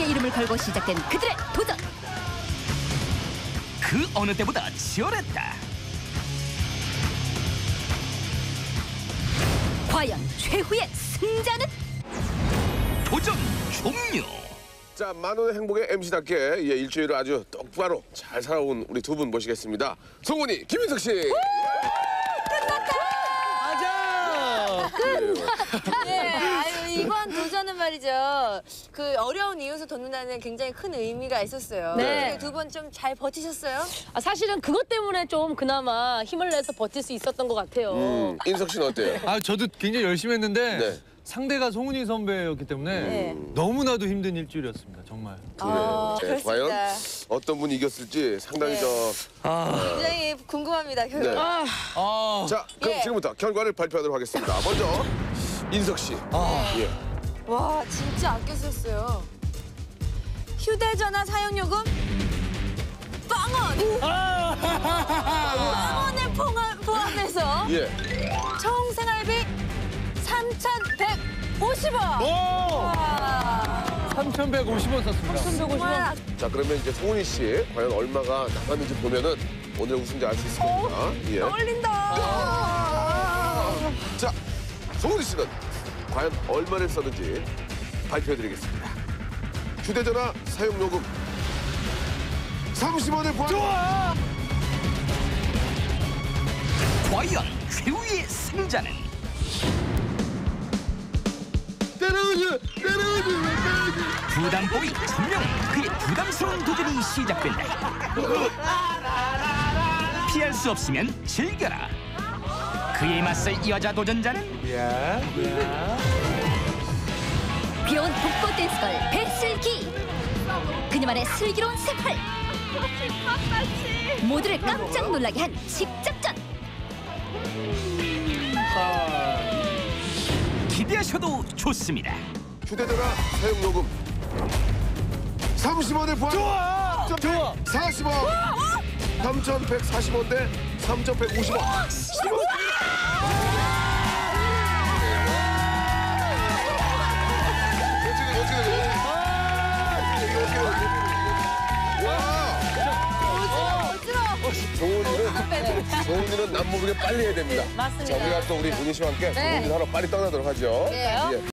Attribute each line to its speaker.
Speaker 1: 자신의 이름을 걸고 시작된 그들의 도전.
Speaker 2: 그 어느 때보다 치열했다.
Speaker 1: 과연 최후의 승자는?
Speaker 2: 도전 종료.
Speaker 3: 자, 만원의 행복의 MC답게 일주일을 아주 똑바로 잘 살아온 우리 두 분 모시겠습니다. 송은이, 김인석 씨.
Speaker 4: 네, 아유, 이번 도전은 말이죠. 그 어려운 이웃을 돕는다는 굉장히 큰 의미가 있었어요.
Speaker 1: 네.
Speaker 4: 두 분 좀 잘 버티셨어요?
Speaker 5: 사실은 그것 때문에 좀 그나마 힘을 내서 버틸 수 있었던 것 같아요.
Speaker 3: 인석 씨는 어때요?
Speaker 6: 저도 굉장히 열심히 했는데
Speaker 3: 네.
Speaker 6: 상대가 송은이 선배였기 때문에
Speaker 4: 네.
Speaker 6: 너무나도 힘든 일주일이었습니다. 정말.
Speaker 4: 아,
Speaker 3: 네,
Speaker 4: 그렇습니다.
Speaker 3: 과연 어떤 분이 이겼을지 상당히
Speaker 4: 네. 굉장히 궁금합니다, 결과.
Speaker 3: 네.
Speaker 6: 아,
Speaker 3: 자, 그럼
Speaker 4: 예.
Speaker 3: 지금부터 결과를 발표하도록 하겠습니다. 먼저 인석 씨. 예.
Speaker 4: 와, 진짜 아껴 썼어요. 휴대전화 사용요금 빵원! 빵원을 포함해서
Speaker 3: 예.
Speaker 4: 총 생활비 3,150원!
Speaker 6: 오! 3,150원 썼습니다.
Speaker 4: 3,150원.
Speaker 3: 자, 그러면 이제 송은이 씨 과연 얼마가 남았는지 보면은 오늘 우승자 알 수 있을 겁니다. 예.
Speaker 4: 떨린다.
Speaker 3: 자, 송은이 씨는 과연 얼마를 썼는지 발표해드리겠습니다. 휴대전화 사용요금 30원을 포함.
Speaker 2: 과연 최후의 승자는
Speaker 3: 때려오지.
Speaker 2: 부담보이 천명, 그의 부담스러운 도전이 시작된다. 피할 수 없으면 즐겨라. 그에 맞설 여자 도전자는
Speaker 1: 귀여운 복고 댄스걸 배슬기. 그녀만의 슬기로운 생활. 모두를 깜짝 놀라게 한 집작전.
Speaker 2: 기대하셔도 좋습니다.
Speaker 3: 휴대전화 사용요금 30원을 포함. 좋아. 40원. 3,140원 대 3,150원. 송은이는 남 모르게 빨리 해야 됩니다.
Speaker 5: 맞습니다.
Speaker 3: 자, 우리가 또 우리 문희 씨와 함께 송은이 하러 빨리 떠나도록 하죠.
Speaker 4: 네.
Speaker 3: 예.